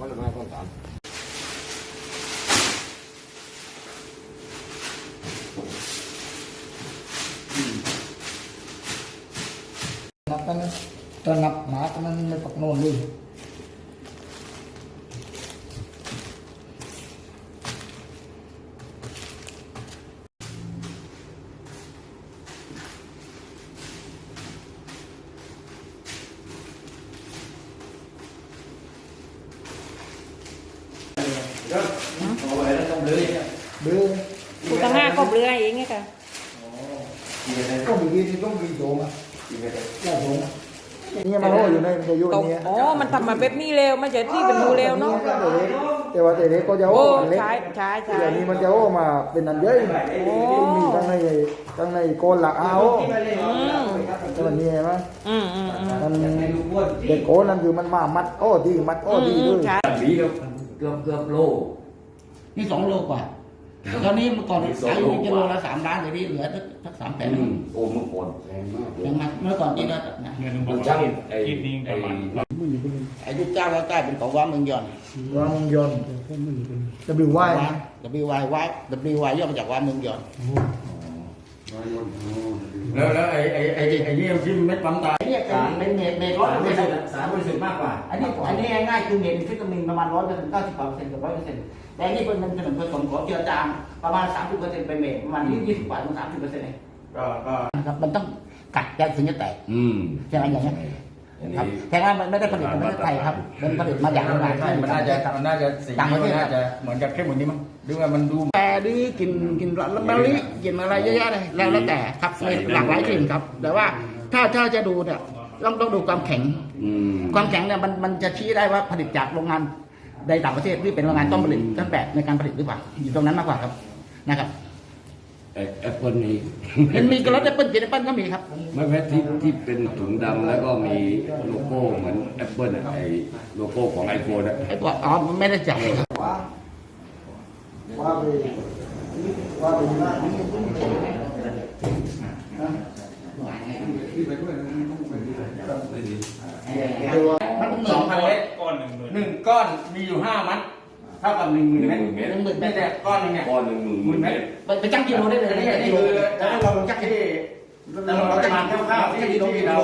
มันเลยมาต้นสารนับกันนะตระหนักหมากันนั้นไม่ปักโน่นเลยกูตั้ง5 cốc lưới ấy nghe cả. Có bị ghi thì có bị trộn à? Là trộn à? Nhưng mà nóอยู่ในมันจะอยู่ในนี้อ๋อมันทำมาแบบนี้เร็วมันจะที่เป็นรูเร็วเนาะแต่ว่าแต่เด็กก็จะโอ้เล็กใช่เดี๋ยวนี้มันจะโอ้มาเป็นอันเยอะมีทั้งในโกนหลักเอาแต่มันนี่ไหมมันเด็กโกนนั่นคือมันมามัดโอ้ดีมัดโอ้ดีด้วย Mỹ đâuเกือบโลนี่2 โลกว่าตอนนี้เมื่อก่อนขายอยู่กิโลละ3 ล้านเดี๋ยวนี้เหลือสัก3 แสนโอ้เมื่อก่อนแพงมากเลยยังมาเมื่อก่อนกินก็นะมันช่างไอ้ไอ้ลูกเจ้าใกล้ๆเป็นของว่าเมืองยอนวางยนต์ WY WY ย่อมาจากว่าเมืองยอนแล้วไอ้นี่ที่เม็ดปั๊มตาไอ้เนี่ยเป็นเมตรร้อยเปอร์เซ็นต์สารบริสุทธิ์มากกว่าอันนี้ง่ายๆคือเมตรวิตามินประมาณ100% 90% กับ 100%แต่อันนี้เป็นผสมของเจือจางประมาณ 30% เป็นเมตรประมาณ20 กว่าถึง 30% เองนะครับมันต้องกัดถึงจะแตกใช่ไหมอย่างเงี้ยครับแต่ว่ามันไม่ได้ผลิตในประเทศไทยครับมันผลิตมาจากโรงงานมันน่าจะสีมันน่าจะเหมือนกับเข้มกว่านี้มั้งดูว่ามันดูแต่ดื้อกินละมะลิกินอะไรเยอะๆเลยแล้วแต่ครับมีหลากหลายกลิ่นครับแต่ว่าถ้าจะดูเนี่ยต้องดูความแข็งเนี่ยมันจะชี้ได้ว่าผลิตจากโรงงานในต่างประเทศหรือเป็นโรงงานต้นผลิตต้นแบบในการผลิตหรือเปล่าอยู่ตรงนั้นมากกว่าครับนะครับแอปเปิลนี่มันมีกระดาษแอปเปิลกินแอปเปิลก็มีครับไม่แม้ที่เป็นถุงดำแล้วก็มีโลโก้เหมือนแอปเปิลไอ้โลโก้ของไอโฟนอะไอ้ตัวไม่ได้จ่ายครับว่าไปมันเหมือน 2,000 เม็ดก้อน1ก้อนมีอยู่5 มัดเท่ากับ10,000 เม็ดไม่แต่ก้อนนึงเนี่ยก้อน10,000 เม็ดไปจังกิโลได้เลยนี่นี่คือเราจักที่เราจะมาคร่าวๆที่เรา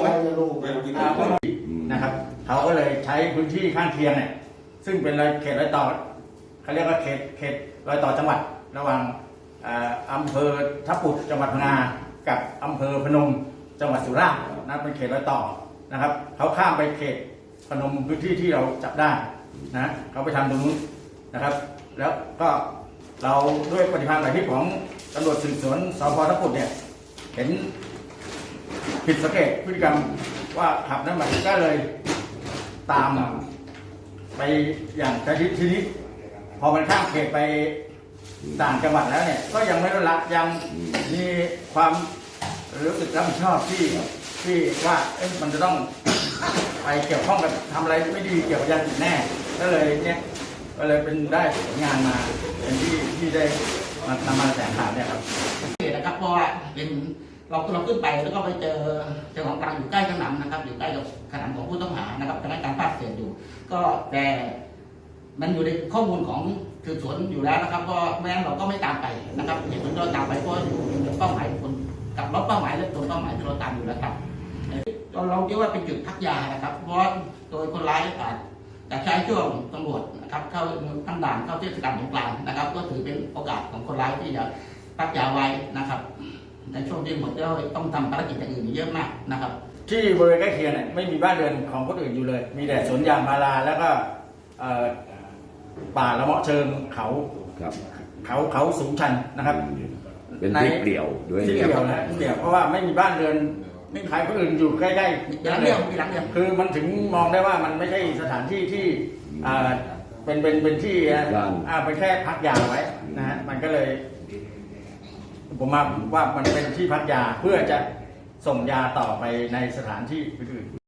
นะครับเขาก็เลยใช้พื้นที่ข้างเคียงเนี่ยซึ่งเป็นเขตรอยต่อเขาเรียกว่าเขตรอยต่อจังหวัดระหว่างอำเภอทับปุดจังหวัดพังงากับอำเภอพนมจังหวัดสุราษฎร์นะเป็นเขตรอยต่อนะครับเขาข้ามไปเขตพนมพื้นที่ที่เราจับได้นะเขาไปทำตรงนู้นนะครับแล้วก็เราด้วยปฏิภาณหมายที่ของตำรวจสืบสวนสพทับปุดเนี่ยเห็นผิดสังเกตพฤติกรรมว่าขับน้ำมันก็เลยตามไปอย่างกระชิดทีนี้พอมันข้ามเขตไปต่างจังหวัดแล้วเนี่ยก็ยังไม่ลดละยังมีความรู้สึกรับผิดชอบที่ว่ามันจะต้องไปเกี่ยวข้องกับทำอะไรไม่ดีเกี่ยวกับยาเสพติดแน่ก็เลยเป็นได้ผลงานมาเป็นที่ได้นำมาแถลงข่าวเนี่ยครับนะครับเพราะว่าเป็นเราขึ้นไปแล้วก็ไปเจอเจ้าของกลางอยู่ใกล้ขนำนะครับอยู่ใกล้กับขนำของผู้ต้องหานะครับพนักงานภาคเศษอยู่ก็แต่มันอยู่ในข้อมูลของสืบสวนอยู่แล้วนะครับก็แม้เราก็ไม่ตามไปนะครับเหตุผลเราตามไปเพราะอยู่กับเป้าหมายคนกับรถเป้าหมายและตัวเป้าหมายที่เราตามอยู่แล้วครับเราคิดว่าเป็นจุดพักยานะครับเพราะโดยคนร้ายอาจจะใช้ช่วงตำรวจนะครับเข้าตั้งด่านเข้าเทศกาลสงกรานต์นะครับก็ถือเป็นโอกาสของคนร้ายที่จะพักยาไว้นะครับในช่วงที่หมดเราต้องทำภารกิจอย่างอื่นเยอะมากนะครับที่บริเวณใกล้เคียงเนี่ยไม่มีบ้านเรือนของคนอื่นอยู่เลยมีแต่สวนยางพาราแล้วก็ป่าละเมาะเชิงเขาสูงชันนะครับเป็นที่เปลี่ยวด้วยที่เปลี่ยวนะเปลี่ยวเพราะว่าไม่มีบ้านเรือนไม่มีใครคนอื่นอยู่ใกล้ๆมีหลังเดียวคือมันถึงมองได้ว่ามันไม่ใช่สถานที่ที่เป็นที่เป็นแค่พักยาไว้นะฮะมันก็เลยผมว่ามันเป็นที่พักยาเพื่อจะส่งยาต่อไปในสถานที่อื่น